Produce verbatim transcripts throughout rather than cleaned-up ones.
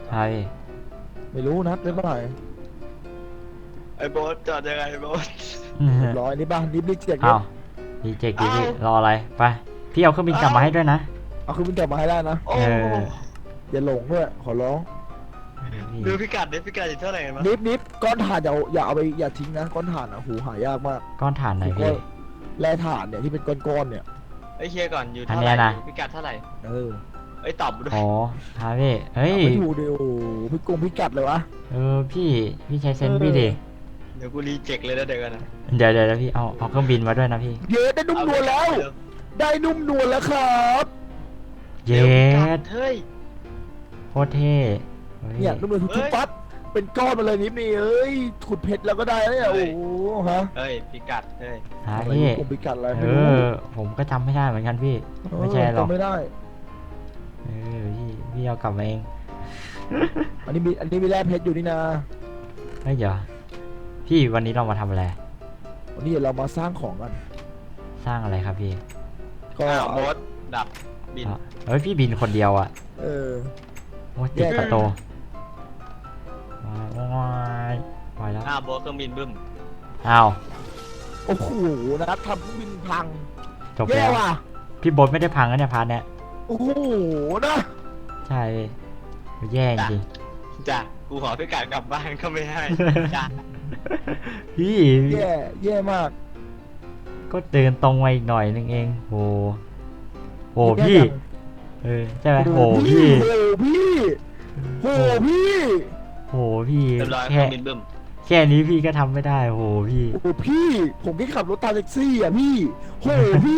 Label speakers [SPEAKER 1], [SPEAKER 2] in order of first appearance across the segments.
[SPEAKER 1] ใช่
[SPEAKER 2] ไม่รู้นัดไม่เมื่อไหร่
[SPEAKER 3] ไอ้โบ๊ทจอดยังไงโบ๊ท
[SPEAKER 2] เรียบร้อยนี่บ้านรีบรีบเจ็ก
[SPEAKER 1] เอาดีเจกีพี่รออะไรไปพี่เอาเครื่องบินกลับมาให้ด้วยนะ
[SPEAKER 2] เอาคือมันกลับมาให้ได้นะ
[SPEAKER 3] โอ้
[SPEAKER 1] เออ
[SPEAKER 2] อย่าหลงด้วยขอร้อง
[SPEAKER 3] ดูพิกัดดิพิกัดอยู่เท่าไหร่กันมั้ง
[SPEAKER 2] นิบนิบก้อนถ่านอย่าอย่าเอาไปอย่าทิ้งนะก้อนถ่านอ่ะหูหายากมาก
[SPEAKER 1] ก้อนถ่านไหนพี่
[SPEAKER 2] แร่ถ่านเนี่ยที่เป็นก้อนๆเนี่ย
[SPEAKER 3] ไอ้เชียก่อนอยู่
[SPEAKER 1] อัน
[SPEAKER 3] เท่า
[SPEAKER 1] เนี้
[SPEAKER 3] ไหร่
[SPEAKER 1] ยนะ
[SPEAKER 3] พิกัดเท่าไหร่
[SPEAKER 2] เออ
[SPEAKER 3] ไอ้ยตอบด้วย
[SPEAKER 1] อ๋อฮะพี่เฮ้ย
[SPEAKER 2] เอาไปดูดิโอ้โหพี่กงพี่กัดเลยวะ
[SPEAKER 1] เออพี่พี่ใช้เซนส์พี่ดิ
[SPEAKER 3] เดี๋ยวกูรีเจ็คเลยนะเดี๋ยวกันนะ
[SPEAKER 1] เดี๋ยวเดี๋ยวพี่เอาเอาเครื่องบินมาด้วยนะพี่
[SPEAKER 2] เย้ได้นุ่มนวลแล้ว ได้นุ่มนวลแล้วครับ
[SPEAKER 1] เย็
[SPEAKER 3] ด
[SPEAKER 1] ด
[SPEAKER 3] เฮ้ย
[SPEAKER 1] โคตรเท่เฮ้ย
[SPEAKER 2] เนี่ยนุ่มนวลทุก
[SPEAKER 3] เฮ้ย
[SPEAKER 2] ปั๊บเป็นก้อนมาเลยนิบนี่เอ้ยขุดเพชรแล้วก็ได้แล้วเนี่ย
[SPEAKER 3] เฮ้
[SPEAKER 2] โอ้
[SPEAKER 3] ย
[SPEAKER 2] โหฮะ
[SPEAKER 3] เฮ้ยพิกัดเฮ้ย
[SPEAKER 1] ฮะ
[SPEAKER 2] ทำไม
[SPEAKER 1] พี่
[SPEAKER 2] พี่กงพี่กัดอะไร
[SPEAKER 1] เอ
[SPEAKER 2] ไม่รู้
[SPEAKER 1] อผมก็จำไม่ได้เหมือนกันพี่ ไม่ใช่หรอก
[SPEAKER 2] เจำไม่ได้
[SPEAKER 1] เออพี่พี่เอากลับมาเอง
[SPEAKER 2] อันนี้มีอันนี้มีแร่เพชรอยู่นี่นะ
[SPEAKER 1] เฮ้ยเดี๋ยวพี่วันนี้เรามาทำอะไร
[SPEAKER 2] วันนี้เดี๋ยวเรามาสร้างของกัน
[SPEAKER 1] สร้างอะไรครับพี่
[SPEAKER 2] ก็
[SPEAKER 3] อ้าวโบ๊ทดับบิน
[SPEAKER 1] อ่ะเฮ้ยพี่บินคนเดียวอ่ะ
[SPEAKER 2] เออ
[SPEAKER 1] โอ้ยติด
[SPEAKER 2] แยก
[SPEAKER 1] ประตูว้ายว้ายว้ายแล้ว
[SPEAKER 3] อ้าวโบ๊ทเครื่องบินบึ้ม
[SPEAKER 1] อ้าว
[SPEAKER 2] โอ้โหนะครับทำเครื่องบินพัง
[SPEAKER 1] จบ
[SPEAKER 2] แย่
[SPEAKER 1] แล้ว
[SPEAKER 2] ว่ะ
[SPEAKER 1] พี่โบทไม่ได้พังนะเนี่ยพาร์ทเนี้ย
[SPEAKER 2] โอ้โหนะ
[SPEAKER 1] ใช่แย่จริง
[SPEAKER 3] จ้ะกูขอพิกัดกลับบ้านก็ไม่ให้จ้ะ
[SPEAKER 1] พี่
[SPEAKER 2] แย่แย่มาก
[SPEAKER 1] ก็เดินตรงมาอีกหน่อยนึงเองโหโหพี่
[SPEAKER 2] แย่จัง
[SPEAKER 1] เออใช่ไหมโห
[SPEAKER 2] โอ้
[SPEAKER 1] พี่
[SPEAKER 2] โหพี่โหพี่
[SPEAKER 1] โหพี่
[SPEAKER 3] เรียบร้อยเค
[SPEAKER 1] แค่
[SPEAKER 3] รื่องบินบึ้ม
[SPEAKER 1] แค่นี้พี่ก็ทำไม่ได้โหพี่
[SPEAKER 2] โอ้โหพี่ ผมแค่ขับรถตามแท็กซี่อ่ะพี่โหพี่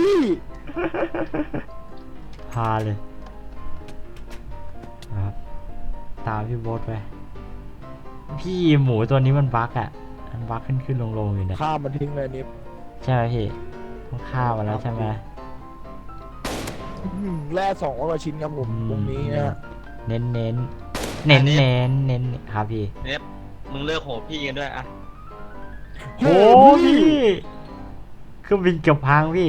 [SPEAKER 1] พาเลยครับตามพี่โบทไปพี่หมูตัวนี้มันบั๊กอ่ะมันบั๊กขึ้นขึ้นลงลงอยู่เนี่ย
[SPEAKER 2] ข้ามมันทิ้งเลยนิฟ
[SPEAKER 1] ใช่ไหมพี่ต้องฆ่ามันแล้วใช่ไหม
[SPEAKER 2] อื้อหือแร่สองร้อยกว่าชิ้นครับผม
[SPEAKER 1] อืม
[SPEAKER 2] ตรงนี้นะ
[SPEAKER 1] เน้นเน้นเน้นเน้นเน้นครับพี่
[SPEAKER 3] เนฟมึงเลิกโหพี่กันด้วยอะ
[SPEAKER 1] โอ้พี่เครื่องบินเกือบพังพี่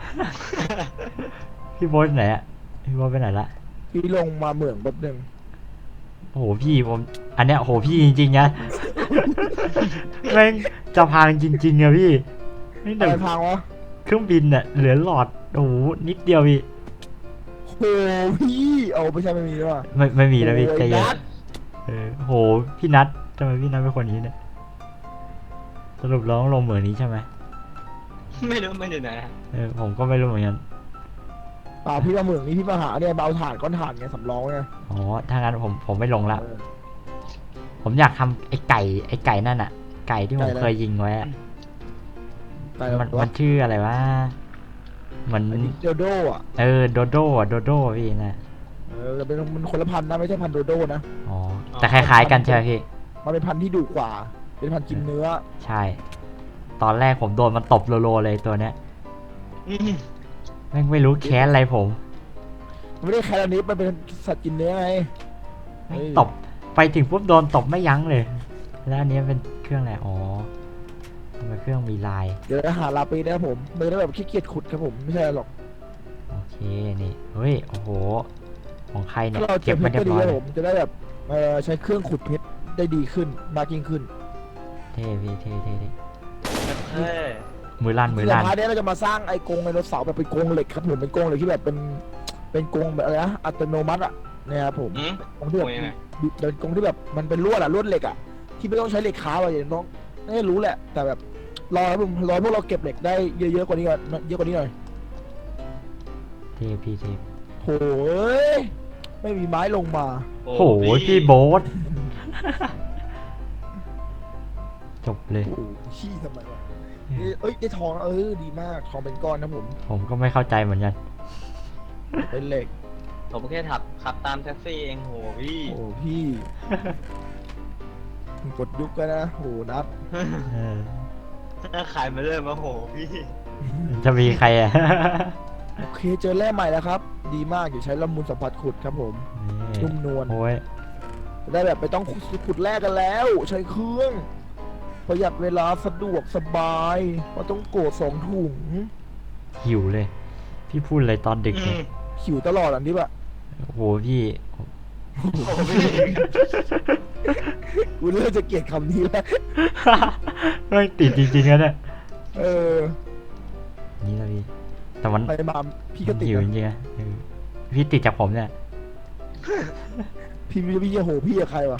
[SPEAKER 1] พี่โบทไหนอะพี่โบทไปไหนละ
[SPEAKER 2] พี่ลงมาเหมืองแป๊บนึง
[SPEAKER 1] โอ้โหพี่ผมอันเนี้ยโอ้โหพี่จริงๆนะ แม่งจะพังจริงๆอะพี่นี่
[SPEAKER 2] อะ
[SPEAKER 1] แต่
[SPEAKER 2] ไรพังวะ
[SPEAKER 1] เครื่องบินอะเหลือหลอดโอ้โหนิดเดียวพี่
[SPEAKER 2] โหพี่เอาไม่ใช่ไม่มีด้วยว่ะ
[SPEAKER 1] ไม่ไม่มีแล้วพี่
[SPEAKER 2] โอ้ย
[SPEAKER 1] ใจเย็น
[SPEAKER 2] นัด
[SPEAKER 1] เออโหพี่นัททำไมพี่นัทเป็นคนอย่างนี้เนี่ยสรุปร้องลงเหมือนนี้ใช่ไหม
[SPEAKER 3] ไม่รู้ไม่ดูไหนอะ
[SPEAKER 1] เออผมก็ไม่รู้เหมือนกัน
[SPEAKER 2] เปล่าพี่มาเหมืองนี้พี่มาหาเนี่ยเบาถ่านก้อนถ่านไงสำรองไง
[SPEAKER 1] อ๋อถ้างั้นผมผมไม่ลงละ
[SPEAKER 2] เออ
[SPEAKER 1] ผมอยากทำไอ้ไก่ไอ้ไก่นั่นอะไก่ที่ผม
[SPEAKER 2] ไก่อะไร
[SPEAKER 1] เคยยิงไว้อะ
[SPEAKER 2] แต่
[SPEAKER 1] มัน
[SPEAKER 2] ว่า
[SPEAKER 1] มันชื่ออะไรวะเหมือน
[SPEAKER 2] อันนี้โดโดอ่ะ
[SPEAKER 1] เออโดโดอะโดโดพี่นะ
[SPEAKER 2] เออแต่เป็นมันคนละพันธุ์นะไม่ใช่พันธุ์โดโดนะ
[SPEAKER 1] อ๋อแต่คล้ายๆกันใช่ไหมพี่
[SPEAKER 2] มันเป็นพันธุ์ที่ดุกว่า เป็นพันธุ์กินเนื้อ
[SPEAKER 1] ใช่ ตอนแรกผมโดนมันตบโลๆเลยตัวเนี้ย
[SPEAKER 3] อืม
[SPEAKER 1] แม่งไม่รู้แค้นอะไรผม
[SPEAKER 2] มันไม่ได้แคลอนิฟมันเป็นสัตว์กินเนื้อไง
[SPEAKER 1] แม่ง
[SPEAKER 2] เฮ้ย
[SPEAKER 1] ตบไปถึงปุ๊บโดนตบไม่ยั้งเลย แล้วอันนี้เป็นเครื่องอะไรอ๋อทำไมเครื่องมีลาย
[SPEAKER 2] เดี๋ยวจะหาลาปีนะครับผมมันจะแบบขี้เกียจขุดครับผมไม่ใช่หรอก
[SPEAKER 1] โอเคนี่เฮ้ยโอ้โหของใครเนี่ย
[SPEAKER 2] ถ้าเราเก็
[SPEAKER 1] เก็
[SPEAKER 2] บบ เพ
[SPEAKER 1] มา
[SPEAKER 2] ชร
[SPEAKER 1] เรีย
[SPEAKER 2] ก็
[SPEAKER 1] บ
[SPEAKER 2] ดี
[SPEAKER 1] ร้อย
[SPEAKER 2] ครับผมจะได้แบบเออใช้เครื่องขุดเพชรได้ดีขึ้นมากยิ่งขึ้น
[SPEAKER 1] เท่พี่เท่เท่เท่
[SPEAKER 3] เฮ้ย
[SPEAKER 1] มือลั่นมือ
[SPEAKER 2] ที่
[SPEAKER 1] ลั่น
[SPEAKER 2] พาร์ทนี้เราจะมาสร้างไอ้กรงไดโนเสาร์แบบเป็นกรงเหล็กครับผมเป็นกรงเหล็กที่แบบเป็นเป็นกรงแบบอะไรนะอัตโนมัติอ่ะเนี่ยครับผม
[SPEAKER 3] อืม
[SPEAKER 2] กรงที่แบบ
[SPEAKER 3] โอ้ยยังไง
[SPEAKER 2] เป็นกรงที่แบบมันเป็นลวดอ่ะลวดเหล็กอ่ะที่ไม่ต้องใช้เหล็กค้าอะไรอย่างน้องไม่รู้แหละ แต่แบบรอครับผมรอพวกเราเก็บเหล็กได้เยอะๆกว่านี้ก่อนเยอะกว่านี้หน่อย
[SPEAKER 1] เท่พี่เท่
[SPEAKER 2] โหยไม่มีไม้ลงมา
[SPEAKER 1] โอ้โหพี่โบ๊ทจบเลย
[SPEAKER 2] โอ้โหขี้ทำไมวะนี่เอ้ยได้ทองเออดีมากทองเป็นก้อนนะผม
[SPEAKER 1] ผมก็ไม่เข้าใจเหมือนกัน
[SPEAKER 2] เป็นเหล็ก
[SPEAKER 3] ผมแค่ขับขับตามแท็กซี่เองโหพี่
[SPEAKER 2] โอ้พี่มึงกดยุกกันนะโหนับ
[SPEAKER 1] เออ
[SPEAKER 3] ถ้าขายมาเริ่มมาโหพี่
[SPEAKER 1] จะมีใครอ่ะ
[SPEAKER 2] โอเคเจอแร่ใหม่แล้วครับ ดีมากอย่าใช้ละมุนสัมผัสขุดครับผม
[SPEAKER 1] นี่
[SPEAKER 2] นุ่มนวล
[SPEAKER 1] โอ้ย
[SPEAKER 2] จะได้แบบไม่ต้องขุดแร่กันแล้ว ใช้เครื่องประหยัดเวลาสะดวกสบายเพราะต้องโกดสองถุง
[SPEAKER 1] หิวเลย พี่พูดอะไรตอนดึก
[SPEAKER 3] อื
[SPEAKER 1] เนี่ย
[SPEAKER 3] ม
[SPEAKER 2] หิวตลอดอันนี้ปะ
[SPEAKER 1] โอ้โหพี่
[SPEAKER 3] โอ้โหพี่
[SPEAKER 2] กูเริ่มจะเกลียดคำนี้แล้ว
[SPEAKER 1] ไม่งติดจริงๆนะเนี่ย
[SPEAKER 2] เออ
[SPEAKER 1] นี่นะพี่แต่มัน
[SPEAKER 2] ไปมาพี่ก็ติด
[SPEAKER 1] หิวจ
[SPEAKER 2] นะ
[SPEAKER 1] ริงๆนะเออพี่ติดจากผมเนี่ย
[SPEAKER 2] พี่พี่พี่จะโหพี่กับใครวะ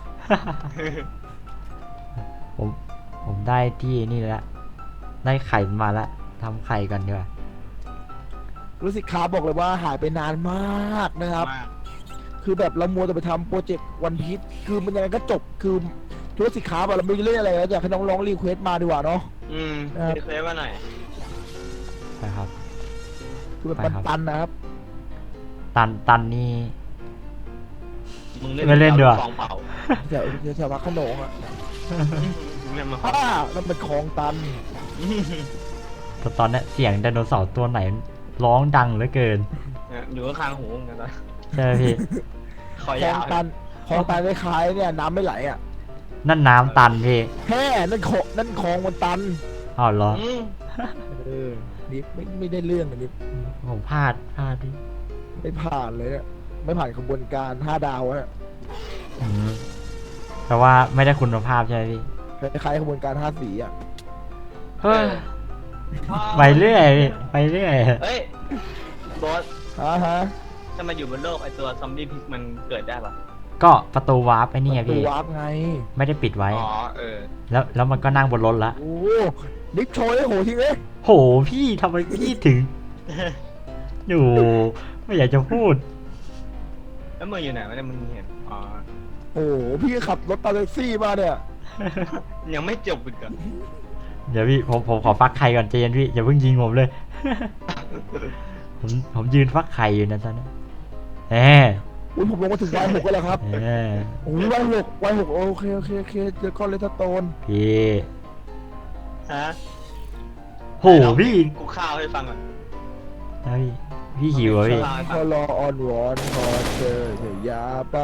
[SPEAKER 1] ผมผมได้ที่นี่แล้วได้ไข่มาแล้วทำไข่กันดีกว่า
[SPEAKER 2] รู้สึกค้าบอกเลยว่าหายไปนานมากนะครับ
[SPEAKER 3] มาก
[SPEAKER 2] คือแบบเรามัวแต่ไปทำโปรเจกต์วันพีชคือมันยังไงก็จบคือธุรกิจค้าแบบเราไม่เล่นอะไรแล้วอยากให้น้องร้องรีเควสต์มาดีกว่าเนาะ
[SPEAKER 3] อืม
[SPEAKER 2] ครับ
[SPEAKER 3] รีเควสมาหน่อย
[SPEAKER 1] ไปครับ
[SPEAKER 2] คือแบบ
[SPEAKER 1] ไปครับ
[SPEAKER 2] ปันๆนะครับ
[SPEAKER 1] ตันตันนี่
[SPEAKER 3] มึง
[SPEAKER 1] ไม่เล่นด้วย
[SPEAKER 3] ฟองเผา
[SPEAKER 2] แถวแถววัดขนงอ่ะ
[SPEAKER 3] เนี่ยมา
[SPEAKER 2] อ้านั่นเป็นคลองตัน
[SPEAKER 1] แต่ตอนเนี้ยเสียงไดโนเสาร์ตัวไหนร้องดังเหลือเกิน
[SPEAKER 3] อยู่ข้างๆหูมึงกันนะ
[SPEAKER 1] ใช่ไหมพี่
[SPEAKER 3] คอ
[SPEAKER 2] คลอย
[SPEAKER 3] าง ว
[SPEAKER 2] ตันคลองตันคล้ายๆเนี่ยน้ำไม่ไหลอ่ะ
[SPEAKER 1] นั่นน้ำตันพี่
[SPEAKER 2] แค่นั่นคลองนั่นคลองมันตัน
[SPEAKER 1] อ้าวเหรอ
[SPEAKER 3] อืม
[SPEAKER 2] เออนี่ไม่ไม่ได้เรื่องอันนี้
[SPEAKER 1] ผมพลาดพลาดพี่
[SPEAKER 2] ไม่ผ่านเลยเนี่ยไม่ผ่านกระบวนการห้าดาวอะ
[SPEAKER 1] อืมแต่ว่าไม่ได้คุณภาพใช่ไหมพี่
[SPEAKER 2] คล้ายๆกระบวนการห้าสีอ่ะ
[SPEAKER 1] เฮ้ยไปเรื่อยพี่ไปเรื่อย
[SPEAKER 3] เฮ้ยบอส
[SPEAKER 2] อ่าฮะ
[SPEAKER 3] ถ้ามาอยู่บนโลกไอตัวซอมบี้พิกมันเกิดได้ปะ
[SPEAKER 1] ก็ประตูวาร์ปไอ้นี่ไง
[SPEAKER 2] ตั
[SPEAKER 1] พี่
[SPEAKER 2] ววาร์ปไง
[SPEAKER 1] ไม่ได้ปิดไว้
[SPEAKER 3] อ๋อเออ
[SPEAKER 1] แล้วแล้วมันก็นั่งบนรถละ
[SPEAKER 2] โอ้นิกโชยได้โหทีเลย
[SPEAKER 1] โหพี่ทำไมพี่ถึงอยู่ไม่อยากจะพูด
[SPEAKER 3] แล้วมึงอยู่ไหนวะเนี่ยมึงเห็นอ๋อ
[SPEAKER 2] โอ้โหพี่ขับรถตาแท็กซี่มาเนี่ย
[SPEAKER 3] ยังไม่จบอีกเหรอ
[SPEAKER 1] เดี๋ยวพี่ผมผมขอฟักไข่ก่อนใจเย็นพี่อย่าเพิ่งยิงผมเลย ผมผมยืนฟักไข่อยู่นะตอนนี้แหม
[SPEAKER 2] อุ้ยผมลงมาถึงวัยหกแล้วครับ
[SPEAKER 1] แหม
[SPEAKER 2] โอ้ยวัยหกวัยหกโอเคโอเคโอเคเจอก้อนเลตโตน
[SPEAKER 1] พี่
[SPEAKER 3] ฮะ
[SPEAKER 1] โหพี่
[SPEAKER 3] กูข้าวให้ฟังก่อน
[SPEAKER 1] นะพี่พี่หิวเหรอพี่
[SPEAKER 2] พอรอออนวอนพอเจอเธออย่าไป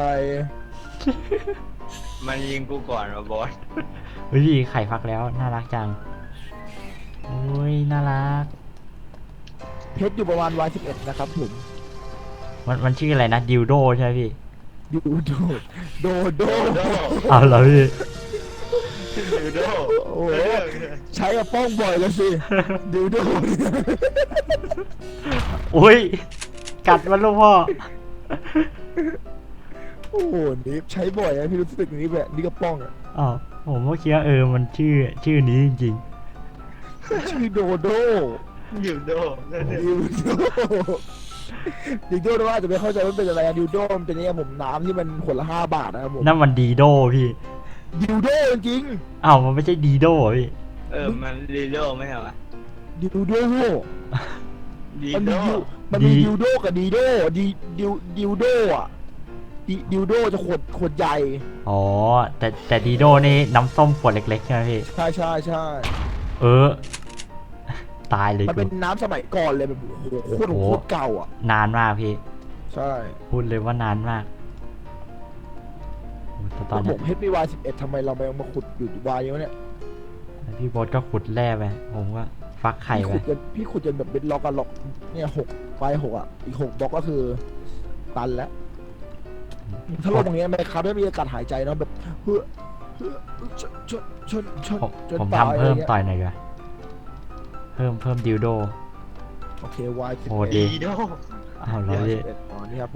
[SPEAKER 3] มันยิงกูก่อนวะบอส
[SPEAKER 1] เฮ้ยพี่ไข่ฟักแล้วน่ารักจังโอ้ยน่ารัก
[SPEAKER 2] เพชรอยู่ประมาณวัยสิบเอ็ดนะครับผม
[SPEAKER 1] มันมันชื่ออะไรนะดิวโดใช่ไหมพี่
[SPEAKER 2] ดูโดโดโด
[SPEAKER 3] โดโด
[SPEAKER 1] เอาเหรอพี่
[SPEAKER 3] ดูโด
[SPEAKER 2] โอ้โหใช้กับป้องบ่อยเลยสิดูโด
[SPEAKER 1] โอ้ยกัดมันลูกพ่อ
[SPEAKER 2] โอ้โหนี่ใช้บ่อยนะพี่รู้สึกนี้แบบนี่ก็ป้องอ่ะ
[SPEAKER 1] อ๋อผมก็คิดว่าเออมันชื่อชื่อนี้จริง
[SPEAKER 2] ชื่อโดโด
[SPEAKER 3] อยู่โด
[SPEAKER 2] ดิวโดดิวโดว่าจะไม่เข้าใจว่าเป็นอะไรอะดิวโดมันเป็นเนี่ยผมน้ำที่มันขวดละห้าบาทนะครับผม
[SPEAKER 1] ๆนั่นมันดีโดพี่
[SPEAKER 2] ดิวโดจริง
[SPEAKER 1] อ้าวมันไม่ใช่ดีโดเหรอพี่
[SPEAKER 3] เออมันดีโดไม่ใช่เหรอ
[SPEAKER 2] ดิวโด
[SPEAKER 3] ดี
[SPEAKER 2] มัน
[SPEAKER 3] โด
[SPEAKER 2] มีดิวมันมีดิวโดกับดีโดดิดิวดิวโดอ่ะดิดิวโดจะขวดขวดใหญ่
[SPEAKER 1] อ๋อแต่แต่ดีโดนี่น้ำส้มขวดเล็กๆใช่ไหมพี่
[SPEAKER 2] ใช่ใช่ใช่
[SPEAKER 1] เออ ตายเลย
[SPEAKER 2] มัน
[SPEAKER 1] กู
[SPEAKER 2] เป็นน้ำสมัยก่อนเลยแบบโอ้โหโคตร
[SPEAKER 1] โอ้
[SPEAKER 2] โคตรเก่าอ่ะ
[SPEAKER 1] นานมากพี่
[SPEAKER 2] ใช่
[SPEAKER 1] พูดเลยว่านานมากโอ้แต่ต
[SPEAKER 2] ต
[SPEAKER 1] อ
[SPEAKER 2] อน นผ
[SPEAKER 1] เนี้ย
[SPEAKER 2] มเฮดพีวายสิบเอ็ดทำไมเราไม่มาขุดอยู่วายเยอะเนี่ย
[SPEAKER 1] พี่โบ๊ทก็ขุดแร่ไปผมก็ฟักไข่
[SPEAKER 2] พี่
[SPEAKER 1] ไป
[SPEAKER 2] ขุดจนพี่ขุดจนแบบเป็นล็อกกันล็อกเนี่ยหกวายหกอ่ะอีกหกบล็อกก็คือตันแล้วถ้าลงอย่างเงี้ยไม่ครับไม่มีอากาศหายใจเนาะแบบเฮ้อเฮ้อชนชนชนชน
[SPEAKER 1] ผม
[SPEAKER 2] จน
[SPEAKER 1] ผม
[SPEAKER 2] ตาย
[SPEAKER 1] ทำเพิ่ม
[SPEAKER 2] อะไรเงี้ย
[SPEAKER 1] ต่อยหน่อยดีกว่าเพิ่มเพิ่มดิวโด
[SPEAKER 2] โอเควายสิบ
[SPEAKER 1] โห
[SPEAKER 2] เอ็ด
[SPEAKER 1] ดี
[SPEAKER 3] ดีโด
[SPEAKER 1] อ้าวแล้วพี่
[SPEAKER 2] อ๋อนี่ครับผม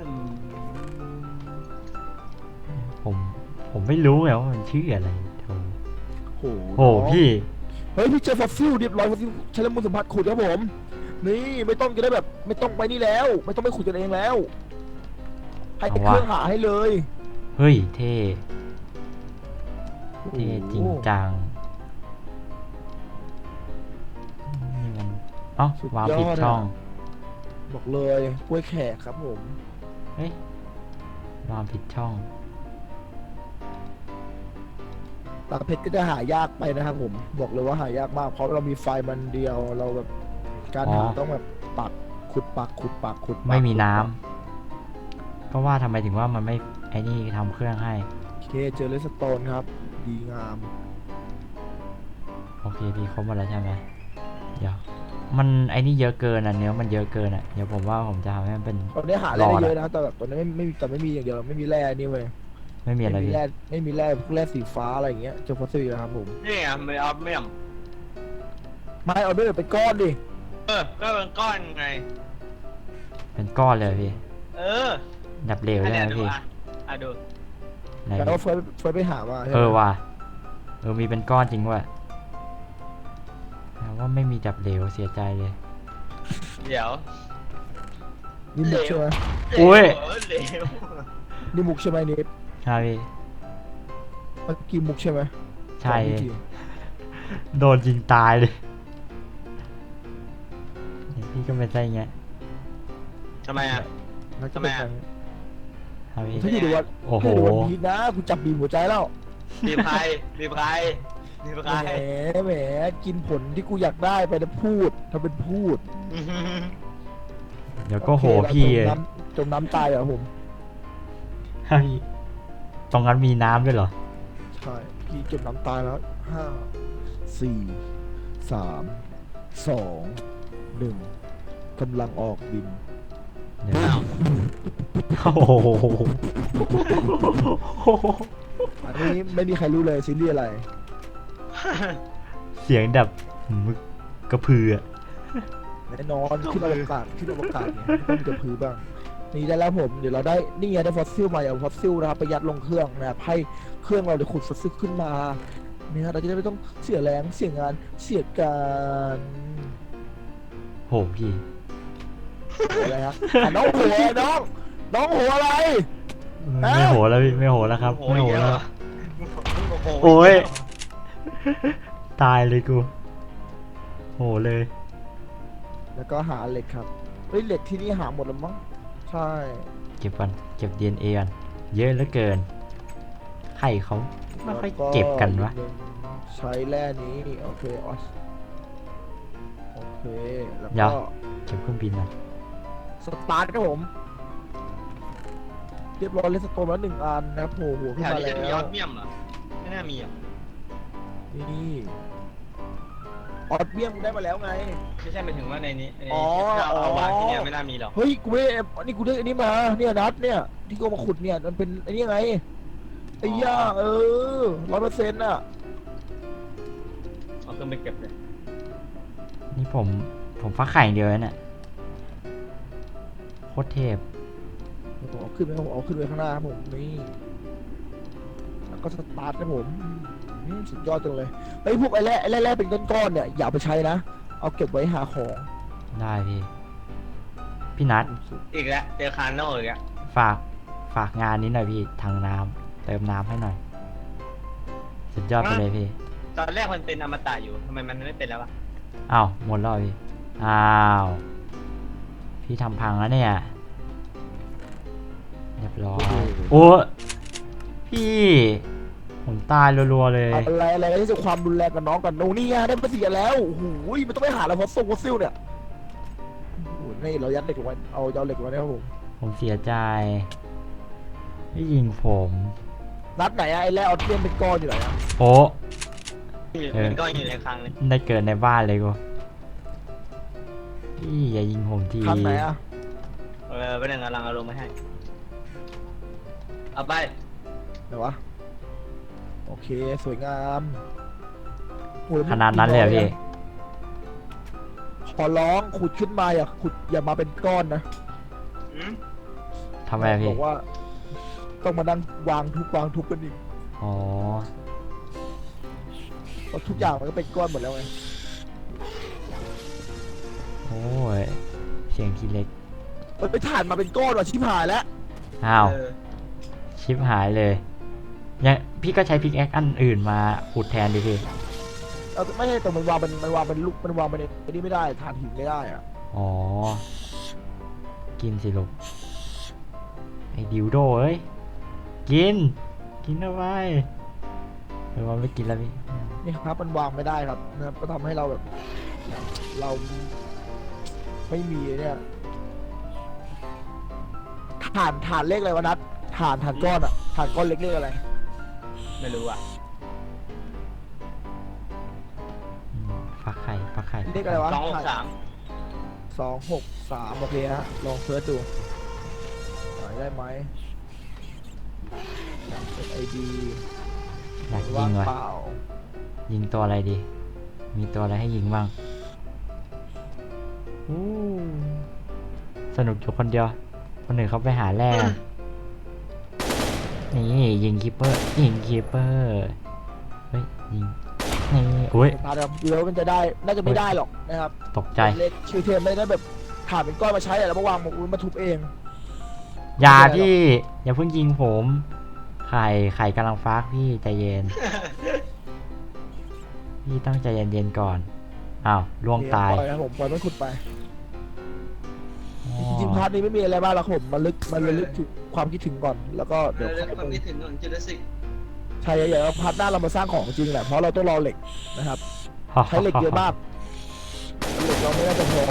[SPEAKER 1] ผมผมไม่รู้ไงว่ามันชื่ออะไรโธ่
[SPEAKER 2] โห
[SPEAKER 1] โอ้พี่
[SPEAKER 2] เฮ้ยพี่เจอฟอสซิลเรียบร้อยฟอสซิลใช้แล้วมือสัมผัสขุดครับผม นี่ไม่ต้องจะได้แบบไม่ต้องไปนี่แล้ว ไม่ต้องไปขุดกันเองแล้ว ให้
[SPEAKER 1] เอา
[SPEAKER 2] เค
[SPEAKER 1] วะ
[SPEAKER 2] รื่องหาให้เลย
[SPEAKER 1] เฮ้ยเท่เท่จริงจังนี่มันเอ๋อวางผิดช่อง
[SPEAKER 2] บอกเลยกล้วยแขกครับผม
[SPEAKER 1] เฮ้ย วางผิดช่อง
[SPEAKER 2] ตาเพชรก็จะหายากไปนะครับผม บอกเลยว่าหายากมาก เพราะเรามีไฟมันเดียว เราแบบการหา
[SPEAKER 1] อ๋อ
[SPEAKER 2] ต้องแบบปักขุดปักขุดปักขุดปัก
[SPEAKER 1] ไม่มี
[SPEAKER 2] ขุด
[SPEAKER 1] น้ำ
[SPEAKER 2] ปัก
[SPEAKER 1] ก็ว่าทำไมถึงว่ามันไม่ไอ้นี่ทำเครื่องให้
[SPEAKER 2] โอเคเจอเลสโตนครับ ดีงาม
[SPEAKER 1] โอเคพี่ครบหมดแล้วใช่ไหมเดี๋ยวมันไอ้นี่เยอะเกินอ่ะเนื้อมันเยอะเกินอ่ะเดี๋ยวผมว่าผมจะทำให้มันเป็น
[SPEAKER 2] ตอนนี้หาแร่ได้เยอะนะแต่แบบตอนนี้ไม่ไม่มีแต่ไม่มีอย่างเดียวไม่มีแร่นี่เว้ย
[SPEAKER 1] ไม่มีอะไร
[SPEAKER 2] ไม่มี
[SPEAKER 1] พี่
[SPEAKER 2] แร่ไม่มีแร่พวกแร่สีฟ้าอะไรอย่างเงี้ยเจอฟอสซิลนะครับผม
[SPEAKER 3] นี่ไงไม่เอาไม่ยอม
[SPEAKER 2] ไม่เอาด้วยเป็นก้อนดิ
[SPEAKER 3] เออก็เป็นก้อนไง
[SPEAKER 1] เป็นก้อนเลยพี่
[SPEAKER 3] เออ
[SPEAKER 1] ดับเหลว
[SPEAKER 3] อัน
[SPEAKER 1] ใช่
[SPEAKER 3] เนี้ย
[SPEAKER 1] ไหม
[SPEAKER 3] ดู
[SPEAKER 1] พี่
[SPEAKER 3] อ่ะอ่ะดู
[SPEAKER 1] ไหน
[SPEAKER 2] แล้ว
[SPEAKER 1] พี่
[SPEAKER 2] ก็เฟิร์สเฟิร์สไปหามาใช่ไหม
[SPEAKER 1] เออว่ะเออมีเป็นก้อนจริงว่ะแต่ว่าไม่มีดับเหลวเสียใจเลย
[SPEAKER 3] เดี๋ยว
[SPEAKER 2] นี่มุกใช่ไหม
[SPEAKER 1] โอ้ย
[SPEAKER 3] เหลว
[SPEAKER 2] นี่มุกใช่ไหมนี่
[SPEAKER 1] ใช่พี่
[SPEAKER 2] เมื่อกี้มุกใช่ไหม
[SPEAKER 1] ใช่
[SPEAKER 2] สองวิธี
[SPEAKER 1] โดนยิงตายเลยเนี่ยพี่ก็เป็นไส้เงี้ย
[SPEAKER 3] ทำไมอ่ะ
[SPEAKER 2] แล้วจะเป็น
[SPEAKER 3] ทำไม
[SPEAKER 2] ไง
[SPEAKER 3] อะ
[SPEAKER 1] ครับพี่
[SPEAKER 2] ถ้าอยู่ในวัน
[SPEAKER 1] โอ้โห
[SPEAKER 2] ถ้าอยู่ในวันพีชนะกูจับบีบหัวใจแล้ว
[SPEAKER 3] รีบใครรีบใครรีบ
[SPEAKER 2] แห
[SPEAKER 3] ใคร
[SPEAKER 2] มแหมกินผลที่กูอยากได้ไปแล้วพูดทำเป็นพูด
[SPEAKER 1] เดี๋ยวก็โห
[SPEAKER 2] อเค
[SPEAKER 1] พี่
[SPEAKER 2] เราจมน้ำจมน้ำตายเหรอผม
[SPEAKER 1] ให้ตรงนั้นมีน้ำด้วยเหรอ
[SPEAKER 2] ใช่พี่จมน้ำตายแล้วห้าสี่สามสองหนึ่งกำลังออกบิน
[SPEAKER 1] เดี๋ยว
[SPEAKER 3] อ้าว
[SPEAKER 1] โอ้โห
[SPEAKER 2] อันนี้ไม่มีใครรู้เลยซีรีส์อะไร
[SPEAKER 1] เสียงแบบมึกกระพืออะ
[SPEAKER 2] แน่นอนขึ้นอวกาศขึ้นอวกาศเนี่ยต้องมีกระพือบ้างนี่ได้แล้วผมเดี๋ยวเราได้นี่ไงได้ฟอสซิลมาเอาฟอสซิลนะครับไปยัดลงเครื่องนะครับให้เครื่องเราเดี๋ยวขุดฟอสซิลขึ้นมาเนี่ยเราจะได้ไม่ต้องเสียแรงเสียงานเสียการ
[SPEAKER 1] โหพี่
[SPEAKER 2] หัวอะไรฮะอ่ะน้องหัวน้องน้องหัวอะไร
[SPEAKER 1] ไม่โหแล้วพี่ไม่โหแล้วครับ
[SPEAKER 3] โอ้
[SPEAKER 1] ไม่
[SPEAKER 3] ย
[SPEAKER 1] โห
[SPEAKER 3] เย
[SPEAKER 1] แล้ว
[SPEAKER 3] อะโอ้
[SPEAKER 1] โอ้ย ตายเลยกู โหเลย
[SPEAKER 2] แล้วก็หาเหล็กครับเฮ้ยเหล็กที่นี่หาหมดแล้วมั้งใช่
[SPEAKER 1] เก็บกันเก็บ ดี เอ็น เอ กันเยอะเหลือเกินใครเขาไม่ค่อยเก็บกันวะ
[SPEAKER 2] ใช้แร่นี้โอเคออสโอเคแล้ว
[SPEAKER 1] เดี๋ย
[SPEAKER 2] ก็
[SPEAKER 1] ว เก็บเครื่องบินนะ
[SPEAKER 2] สตาร์ทครับผมเรียบร้อยเลสโตนแล้วหนึ่งอันนะครับโผล่หัวขึ้น
[SPEAKER 3] แถว
[SPEAKER 2] มา
[SPEAKER 3] นี้
[SPEAKER 2] แล้
[SPEAKER 3] จะมียว อดเมี่ยมเหรอไม่น่ามีอ่ะ
[SPEAKER 2] นี่ออดเบี้ยมได้มาแล้วไง
[SPEAKER 3] ไม่ใช่หมายถึงว่าในนี้ใน
[SPEAKER 2] อ๋อ
[SPEAKER 3] ถ้าเอา
[SPEAKER 2] อ๋อ
[SPEAKER 3] เอาวางที่เนี่ยไม่น่ามีหรอก
[SPEAKER 2] เฮ้ยกูไม่ได้นี่กูได้อันนี้มาเนี่ยนัดเนี่ยที่กูเอามาขุดเนี่ยมันเป็นไอ้นี่ไงไอ้ย่าเออร้อยเปอร์เซ็นต์อ่ะ
[SPEAKER 3] เอาขึ้นไปเก็บเลย
[SPEAKER 1] นี่ผม ผมฟักไข่อย่างเดียวเลยเนี่ยโคตรเทพ
[SPEAKER 2] ผมเอาขึ้นไปผมเอาขึ้นไปข้างหน้าครับผมนี่แล้วก็สตาร์ทนะผมอืมสุดยอดจังเลยไอ้ยพวกไอ้แร่ไอ้แร่ๆเป็นก้อนๆเนี่ยอย่าเอาไปใช้นะเอาเก็บไว้หาของ
[SPEAKER 1] ได้พี่ พี่นัท
[SPEAKER 3] อีกแล้วเจอคาร์โน่อีกแล้ว
[SPEAKER 1] ฝาก ฝากงานนี้หน่อยพี่ทางน้ำเติมน้ำให้หน่อย สุดยอดไปเลยพี่
[SPEAKER 3] ตอนแรกมันเป็นอมตะอยู่ทำไมมันไม่เป็นแล้ววะ
[SPEAKER 1] อ้าวหมดแล้วเหรอพี่ อ้าว พี่ทำพังแล้วเนี่ย เรียบร้อย โอ้พี่ ผมตายรัวๆเลย
[SPEAKER 2] อะไรอะไรที่จะความรุนแรงกับน้องกันโน่นี่ไงได้มาเสียแล้วโอ้โหมันต้องไปหาแล้วฟอสซิลฟอสซิลเนี่ยโอ้โหนี่เรายัดเหล็กลงไว้เอาเอาเหล็กลงไว้นะครับผม
[SPEAKER 1] ผมเสียใจพี่ยิงผม
[SPEAKER 2] นัดไหนอะไอ้แร่ออสเทียนเป็นก้อนอยู่ไหนอะ
[SPEAKER 1] โอ้ เออ
[SPEAKER 3] มันก็อยู่ในคลังเลย
[SPEAKER 1] ได้เกิดในบ้านเลยกูพี่อย่ายิงผมที
[SPEAKER 2] ทางไหนอะ
[SPEAKER 3] เออไปหนึ่งกำลังเอาลงมาให้เอาไป
[SPEAKER 2] ไหนวะโอเคสวยงามโอ้ย
[SPEAKER 1] ขนาดนั้นเลยเหรอพี่
[SPEAKER 2] ขอร้องขุดขึ้นมาอย่าขุดอย่ามาเป็นก้อนนะ
[SPEAKER 3] อืม
[SPEAKER 1] ทำไมพี่
[SPEAKER 2] บอกว่าต้องมานั่งวางทุบวางทุบกันอีก
[SPEAKER 1] อ๋อ
[SPEAKER 2] เพราะทุกอย่างมันก็เป็นก้อนหมดแล้วไง
[SPEAKER 1] โอ้ย เสียงทีเล็ก
[SPEAKER 2] มันไปถ่านมาเป็นก้อนว่ะชิบหายแล้ว
[SPEAKER 1] อ้าว
[SPEAKER 3] เออ
[SPEAKER 1] ชิปหายเลยเนี่ยพี่ก็ใช้พิกแอคอันอื่นมาขุดแทนดิพี่
[SPEAKER 2] เอาไม่ใช่แต่มันวางเป็นมันวางเป็นลูกมันวางเป็นไอ้นี่ไม่ได้ถ่านหินไม่ได้อะ
[SPEAKER 1] อ๋อ กินสิลูกไอ้ดิวโดเอ้ย กิน กินเอาไว้เออว่าไม่กินแล้วพี่
[SPEAKER 2] นี่ครับมันวางไม่ได้ครับนะครับก็ทำให้เราแบบ เราไม่มีเนี่ยถ่านถ่านเลขอะไรวะนัดถ่านถ่านก้อนอะถ่านก้อนเล็กเลขอะไร
[SPEAKER 3] ไม่รู้อ่ะ
[SPEAKER 1] อืมฟักไข่ฟักไข่ข่
[SPEAKER 2] เลขอะไรวะ
[SPEAKER 3] สองหกสาม
[SPEAKER 2] สองหกสามโอเคฮะลองเสิร์ชดูหาได้ไหมไอดี
[SPEAKER 1] อยากยิ
[SPEAKER 2] ว่าง
[SPEAKER 1] งวะ
[SPEAKER 2] เปล่า
[SPEAKER 1] ยิงตัวอะไรดี มีตัวอะไรให้ยิงบ้างอู้สนุกอยู่คนเดียว คนอื่นเขาไปหาแร่กันนี่ยิงคีเปอร์ ยิงคีเปอร์ เฮ้ยยิง นี่โอ้ย
[SPEAKER 2] ตาดำเดี๋ยวมันจะได้น่าจะไม่ได้หรอกนะครับ
[SPEAKER 1] ตกใจ
[SPEAKER 2] เล็กชื่อเทมไม่ได้แบบขาดเป็นก้อนมาใช้อะแล้วมาวางมาทุบเอง
[SPEAKER 1] อย่าพี่ อย่าเพิ่งยิงผม ไข่ไข่กำลังฟักพี่ใจเย็น พี่ต้องใจเย็นๆก่อน อ้าวล่วงตาย
[SPEAKER 2] ปล่อยนะผมปล่อยมันขุดไป
[SPEAKER 1] อ๋อ
[SPEAKER 2] จริงๆพาร์ทนี้ไม่มีอะไรมากหรอกผมมันลึกมันระลึกถึงความคิดถึงก่อน แล้วก็เดี๋ยว
[SPEAKER 3] เรื่
[SPEAKER 2] ค่
[SPEAKER 3] อ
[SPEAKER 2] อง ย
[SPEAKER 3] ความ
[SPEAKER 2] ไป
[SPEAKER 3] คิดถึงของจูราสสิก
[SPEAKER 2] ใช่อย่างพาร์ทหน้าเรามาสร้างของจริงแหละเพราะเราต้องรอเหล็กนะครับใช้เหล็กเยอะมากเหล็กเราไม่น่าจะพอ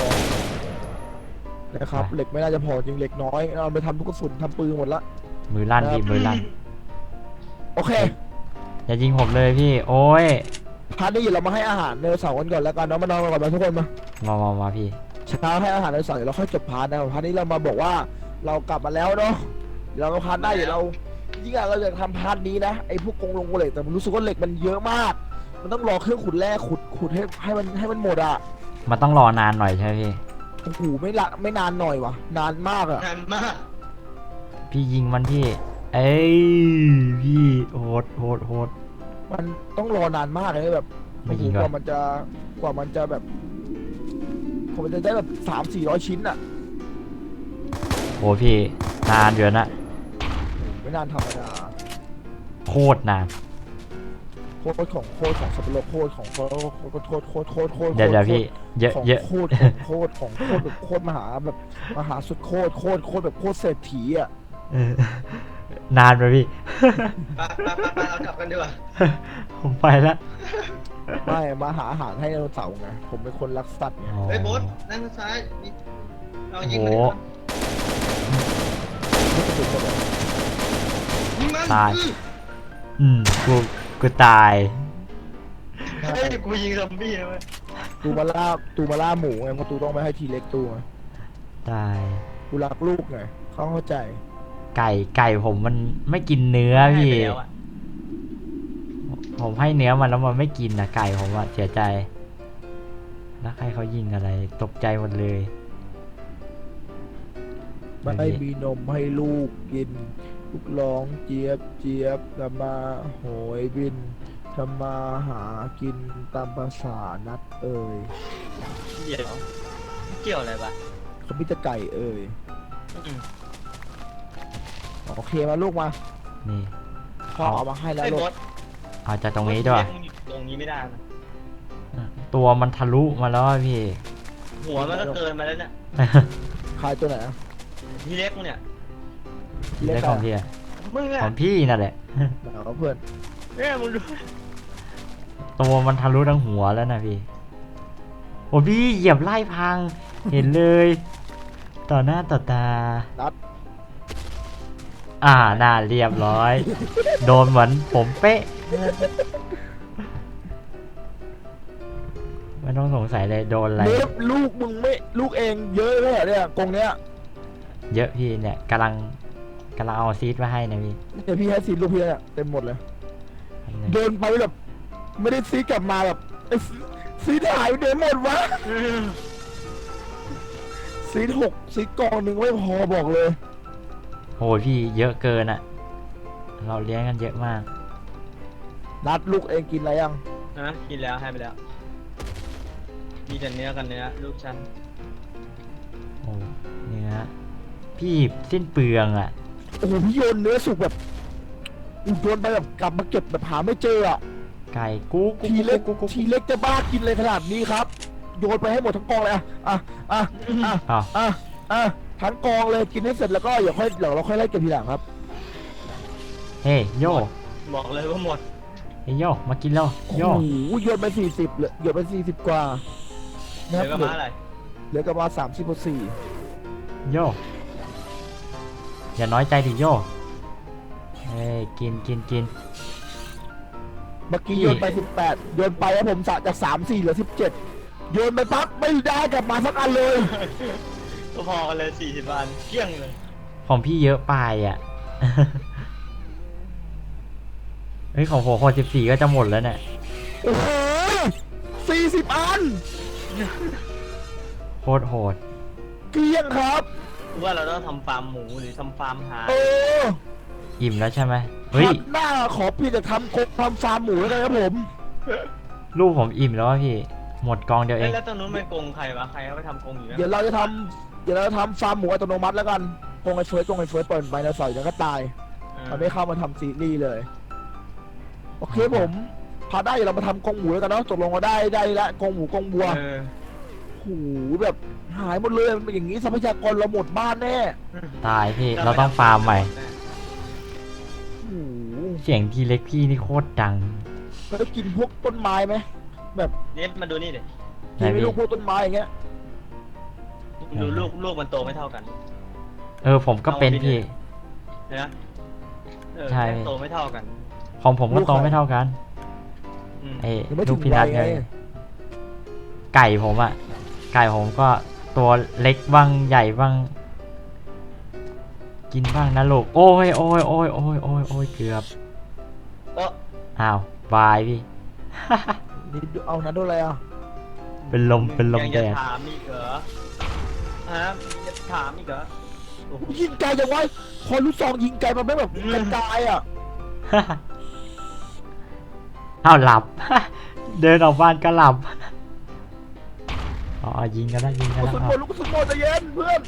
[SPEAKER 2] นะครับเหล็กไม่น่าจะพอจริงเหล็กน้อยเราไปทำทุกกระสุนทำปืนหมดละ
[SPEAKER 1] มือลั่นพี่มือลั่น
[SPEAKER 2] โอเค
[SPEAKER 1] อย่ายิงผมเลยพี่ โอ้ย
[SPEAKER 2] พาร์ทนี้เรามาให้อาหารในเสาร์กันก่อนแล้วกันเนาะมานอนกันก่อนมาทุกคนมา
[SPEAKER 1] มามามาพี่
[SPEAKER 2] เช้าให้อาหารในเสาร์เดี๋ยวเราค่อยจบพาร์ทนะพาร์ทนี้เรามาบอกว่าเรากลับมาแล้วเนาะเดี๋ยวเราก็พาร์ทหน้าเดี๋ยวเรายิ่งอะเราจะทำพาร์ทนี้นะไอ้พวกกงลงเหล็กแต่ผมรู้สึกว่าเหล็กมันเยอะมาก มันต้องรอเครื่องขุดแร่ขุดขุดให้ให้มันให้มันหมดอ่ะ
[SPEAKER 1] มันต้องรอนานหน่อยใช่ไหมพี่
[SPEAKER 2] โอ้โหไม่ละไม่นานหน่อยวะนานมากอ่ะ
[SPEAKER 3] นานมาก
[SPEAKER 1] พี่ยิงมันพี่ เอ้ยพี่โหดโหดโหด
[SPEAKER 2] มันต้องรอนานมากเลยแบบ
[SPEAKER 1] ไม่
[SPEAKER 2] โอ้โห
[SPEAKER 1] ยิง
[SPEAKER 2] ก
[SPEAKER 1] ก่อน
[SPEAKER 2] ว่ามันจะกว่ามันจะแบบกว่ามันจะได้แบบสามสี่ร้อยชิ้นอ่ะ
[SPEAKER 1] โหพี่นานเดือนนะ
[SPEAKER 2] ไม่นานธรรมดา
[SPEAKER 1] โคตรนาน
[SPEAKER 2] โคตรของโคตรของสับปะรดโคตรของโคตรโคตรโคตรโคตรโคตรโคตร
[SPEAKER 1] เดี๋ยวเดี๋ยวพี่ เยอะ
[SPEAKER 2] ของ
[SPEAKER 1] เยอะ
[SPEAKER 2] โคตรของโคตรของโคตรแบบโคตรมหาแบบมหาสุดโคตรโคตรโคตรแบบโคตรเศรษฐีอ่ะ
[SPEAKER 1] เออนานไปพี่
[SPEAKER 3] ไปไปไปไปเรากลับกันดีกว่า
[SPEAKER 1] ผมไปแล้ว
[SPEAKER 2] ไม่มาหาอาหารให้ไดโนเสาร์ไงผมเป็นคนรักสัตว์ไง
[SPEAKER 3] เฮ้ยโบ๊ทนั่งซ้ายนี่เรายิง
[SPEAKER 1] โอ้
[SPEAKER 3] มัน
[SPEAKER 1] โห
[SPEAKER 3] ดีกว่ายิงมัน
[SPEAKER 1] ตาย
[SPEAKER 3] อื้อ
[SPEAKER 1] อืมกูกูตาย
[SPEAKER 3] เฮ้ยกูยิงซอมบี้นะเว้ย
[SPEAKER 2] ตูมาล่าตูมาล่าหมูไงเพราะตูต้องไปให้ทีเล็กตูไง
[SPEAKER 1] ตาย
[SPEAKER 2] กูรักลูกไงเขาเข้าใจ
[SPEAKER 1] ไก่ไก่ผมมันไม่กินเนื้อพี่
[SPEAKER 3] ให้ไปแล้วอะ
[SPEAKER 1] ผมให้เนื้อมันแล้วมันไม่กินนะไก่ผมอะเสียใจ แล้วใครเขายิงอะไร ตกใจหมดเลย
[SPEAKER 2] ไม่มีนมให้ลูกกิน ลูกร้องเจี๊ยบเจี๊ยบทำมาโหยบินทำมาหากินตามภาษานัดเอ่ย
[SPEAKER 3] เดี๋ยวเกี่ยวอะไรปะ
[SPEAKER 2] เขาพิจไก่เอ่ย
[SPEAKER 3] อืม
[SPEAKER 2] โอเคมาลูกมา
[SPEAKER 1] นี่
[SPEAKER 2] พ่อเอามาให้แล้ว
[SPEAKER 3] ไอ้
[SPEAKER 2] ลู
[SPEAKER 3] โบ๊
[SPEAKER 2] ก
[SPEAKER 3] ท
[SPEAKER 1] เอาจากตรงนี้ด้วย
[SPEAKER 3] ตรงนี้ไม่ได้นะ
[SPEAKER 1] ตัวมันทะลุมาแล้วอะพี่
[SPEAKER 3] หัวมันก็เกินมาแล้วเนี่ย
[SPEAKER 2] ขายตัวไหนอะ
[SPEAKER 3] ทีเล็กมึงเนี่ย
[SPEAKER 2] ทีเล็ก
[SPEAKER 1] ได้
[SPEAKER 2] อะ
[SPEAKER 1] ของพี่อะ
[SPEAKER 3] มึงอะ
[SPEAKER 1] ของพี่นั่นแหละ
[SPEAKER 2] ไหนวะเพื่อน
[SPEAKER 3] เนี่ยมึงดู
[SPEAKER 1] ตัวมันทะลุทั้งหัวแล้วนะพี่ โอ้พี่เหยียบไล่พัง เห็นเลย ต่อหน้าต่อตา
[SPEAKER 2] นัด
[SPEAKER 1] อ่าน่าเรียบร้อย โดนเหมือนผมเป๊ะ ไม่ต้องสงสัยเลยโดนอะไร
[SPEAKER 2] เล็บลูกมึงไม่ลูกเองเยอะเลยเหรอเนี่ยกรงเนี้ย
[SPEAKER 1] เยอะพี่เนี่ยกำลังกำลังเอาซีดมาให้นะพี่
[SPEAKER 2] เดี๋ยวพี่ให้ซีดลูกพี่เนี่ยเต็มหมดเลย เดินไปแบบไม่ได้ซีดกลับมาแบบไอ้ซีซีดหายไปไหนหมดวะ
[SPEAKER 3] อืม
[SPEAKER 2] ซีดหกซีดกองหนึ่งไม่พอบอกเลย
[SPEAKER 1] โหพี่เยอะเกินอะเราเลี้ยงกันเยอะมาก
[SPEAKER 2] นัดลูกเองกินอะไรยัง
[SPEAKER 3] นะกินแล้วให้ไปแล้ว มีแต่เนื้อกันเนื้อลูกฉัน
[SPEAKER 1] โอ้เนื้อพี่สิ้นเปลืองอะ
[SPEAKER 2] โอ้โหพี่โยนเนื้อสุกแบบอู้โยนไปแบบกลับมาเก็บแบบหาไม่เจออ่ะ
[SPEAKER 1] ไก่กุ๊กกุ๊ก
[SPEAKER 2] ทีเล็ก
[SPEAKER 1] กุ๊กกุ๊ก
[SPEAKER 2] ทีเล็กจะบ้ากินเลยขนาดนี้ครับ โยนไปให้หมดทั้งกองเลยอ่ะอ่ะอ่ะอ่ะ
[SPEAKER 1] อ้าว
[SPEAKER 2] อ่ะอ่ะทั้งกองเลยกินให้เสร็จแล้วก็เดี๋ยวค่อยเดี๋ยวเราค่อยไล่เก็บทีหลังครับ
[SPEAKER 1] เฮ้ยโย
[SPEAKER 3] บอกเลยว่าหมด
[SPEAKER 1] เฮ้ยโยมากินแล้ว
[SPEAKER 2] โอ้
[SPEAKER 1] โย
[SPEAKER 2] โหโยนไปสี่สิบเลยโยนไปสี่สิบกว่า
[SPEAKER 3] เหลื
[SPEAKER 2] นะ
[SPEAKER 3] อ
[SPEAKER 2] ค
[SPEAKER 3] กั
[SPEAKER 2] รั
[SPEAKER 3] บบ มาอะไร
[SPEAKER 2] เหลือกับมาสามสิบกว่าสี่
[SPEAKER 1] โยอย่าน้อยใจดิโยเฮ้ยกินกินกิน
[SPEAKER 2] เมื่อกี้
[SPEAKER 1] พี่
[SPEAKER 2] โยนไปสิบแปดโยนไปแล้วผมสะจากสามสี่เหลือสิบเจ็ดโยนไปปั๊บไม่ได้กลับมาสักอันเลย
[SPEAKER 3] ก็พอกันเลยสี่สิบอันเกลี้ยงเลย
[SPEAKER 1] ของพี่เยอะไปอ่ะ เฮ้ยของผมหกสิบสี่ก็จะหมดแล้วเนี่ย
[SPEAKER 2] โอ้โหสี่สิบอัน
[SPEAKER 1] โคตรโหด
[SPEAKER 2] เกลี้ยงครับ
[SPEAKER 3] ว่าเราต้องทำฟาร์มหมูหรือทำฟาร์มหา
[SPEAKER 2] เออ
[SPEAKER 1] อิ่มแล้วใช่ไหมเฮ้ย
[SPEAKER 2] ครั้งหน้าขอพี่จะทำกบทำฟาร์มหมูแล้วกันครับผม
[SPEAKER 1] ลูกผมอิ่มแล้วอะพี่ หมดกองเดียวเอ
[SPEAKER 3] เอ้ย
[SPEAKER 1] ง
[SPEAKER 3] แล้วตรงนู้นไม่โกงใครวะใครเขาไปทำโกงอยู่นะ
[SPEAKER 2] เดี๋ยวเราจะทำเดี๋ยวเราจะทำฟาร์มหมูอัตโนมัติแล้วกันกงไอ้เฟิร์สกงไอ้เฟิร์สเปิดไปนะสอยเดี๋ยวก็ตาย
[SPEAKER 3] เออ
[SPEAKER 2] มันไม่เข้ามาทำซีรีส์เลย โอเคผมพาได้เดี๋ยวเรามาทำกงหมูแล้วกันเนาะตกลงว่าได้ได้ละกงหมูกงบัว
[SPEAKER 3] เออ
[SPEAKER 2] โอ้โหแบบหายหมดเลยมันเป็นอย่างนี้ทรัพยากรเราหมดบ้านแน่
[SPEAKER 1] ตายพี่ เราต้องฟาร์มใหม่
[SPEAKER 2] โอ้โห
[SPEAKER 1] เสียงทีเล็กพี่นี่โคตรดัง
[SPEAKER 2] แล้วได้กินพวกต้นไม้ไหมแบบ
[SPEAKER 3] เน็ตมาดูนี่ดิ
[SPEAKER 2] กินไม่
[SPEAKER 1] ไหนพี่
[SPEAKER 2] ลูกพวกต้นไม้อย่างเงี้ย
[SPEAKER 3] ดูลูกลูกมันโตไม่เท่ากัน
[SPEAKER 1] เออผมก็เป็นพี่
[SPEAKER 3] เห็นไหมเออ
[SPEAKER 1] ใช่
[SPEAKER 3] แม่งโตไม่เท่ากัน
[SPEAKER 1] ของผมก็โตไม่เท่ากัน
[SPEAKER 3] อืม
[SPEAKER 1] ไอ้
[SPEAKER 2] ยังไม่
[SPEAKER 1] ลู
[SPEAKER 2] ถึ
[SPEAKER 1] ก
[SPEAKER 2] ง
[SPEAKER 1] พิ
[SPEAKER 2] วั
[SPEAKER 1] รั
[SPEAKER 2] ย
[SPEAKER 1] ต
[SPEAKER 2] ไง
[SPEAKER 1] ไงไก่ผมอะไก่ผมก็ตัวเล็กบ้างใหญ่บ้าง กินบ้างนะลูก โอ้ยโอ้ยโอ้ยโอ้ยโอ้ยโอ้ยเกือบ
[SPEAKER 3] เออ
[SPEAKER 1] อ้าวบายพี่
[SPEAKER 2] นี่ดูเอานะดูอะไรอ่ะ
[SPEAKER 1] เป็นลมเป็นลม
[SPEAKER 3] ยัง
[SPEAKER 1] แด
[SPEAKER 3] จะ
[SPEAKER 1] ด
[SPEAKER 3] ถามอีกเหรอฮะจะถามอีกเหรอโอ้โห
[SPEAKER 2] ยิงไกลจังวะพอลูกซองยิงไกลมันไม่แบบกระจายอ่ะ
[SPEAKER 1] อ้าวหลับ เดินออกบ้านก็หลับอ๋อยิงกันแล้วยิงกัน
[SPEAKER 2] กระ
[SPEAKER 1] แล้ว
[SPEAKER 2] สุน
[SPEAKER 1] อ้า
[SPEAKER 2] หม
[SPEAKER 1] ว
[SPEAKER 2] ดลูกกระสุนหมดใจเย็นเพื่อน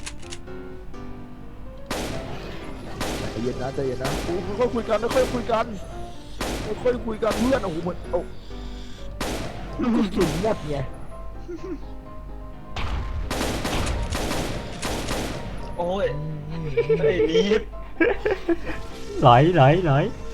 [SPEAKER 2] ใจเย็นนะใจเย็นนะโอ้ค่อยๆคุยกันค่อยๆคุยกันค่อยๆคุยกันเพื่อนโอ้โหเหมือนโอ้ลูกกระสุนหมดไง
[SPEAKER 3] โอ้ยไอ้นี่
[SPEAKER 1] ไหลไหลไหล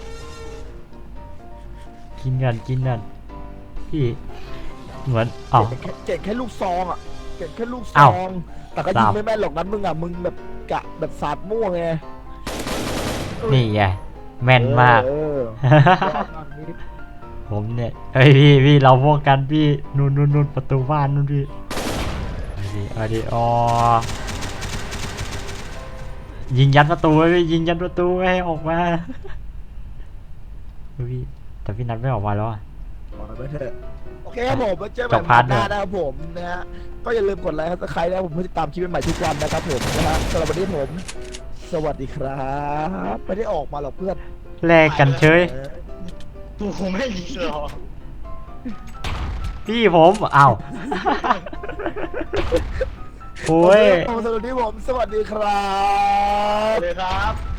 [SPEAKER 1] กินกันกินกันพี่เหมือนอ้าว
[SPEAKER 2] เก่งแค่เก่งแค่ลูกซองอ่ะเก่งแค่ลูกซ
[SPEAKER 1] อ้าว
[SPEAKER 2] อง แต่ก็ยิง
[SPEAKER 1] สาม
[SPEAKER 2] ไม่แม่นหรอกนั้นมึงอ่ะมึงแบบกะแบบสาดมั่วไง
[SPEAKER 1] นี่ไงแม่นมาก
[SPEAKER 2] เออเออ
[SPEAKER 1] ผมเนี่ยเฮ้ยพี่พี่เราพวกกันพี่นู่นนู่นนู่นประตูบ้านนู่นพี่เอาดิเอาดิอ๋อยิงยันประตูไว้พี่ยิงยันประตูไว้ให้ออกมาเฮ้ยพี่แต่พี่นัทไม่ออกมาแล้วอะ
[SPEAKER 2] บอกไปเถอะโอเคครับผมไว้เจอ
[SPEAKER 1] จ
[SPEAKER 2] กัน
[SPEAKER 1] บ
[SPEAKER 2] ให
[SPEAKER 1] พาร์
[SPEAKER 2] ม่
[SPEAKER 1] ท
[SPEAKER 2] หน้า
[SPEAKER 1] เดิม
[SPEAKER 2] นะครับผมนะฮะก็อย่าลืมกดไลค์กดซับสไครต์นะครับผมเพื่อติดตามคลิปใหม่ๆทุกวันนะครับผมนะฮะสำหรับวันนี้ผม สวัสดีครับไม่ได้ออกมาหรอกเพื่อน
[SPEAKER 1] แลกกันเฉย
[SPEAKER 2] เออ
[SPEAKER 3] กูคงไม่ยิงหรอก
[SPEAKER 1] พี่ผมอ้าวโอ้ย
[SPEAKER 2] สำหรับวันนี้ผมสวัสดีครับ
[SPEAKER 3] เลยครับ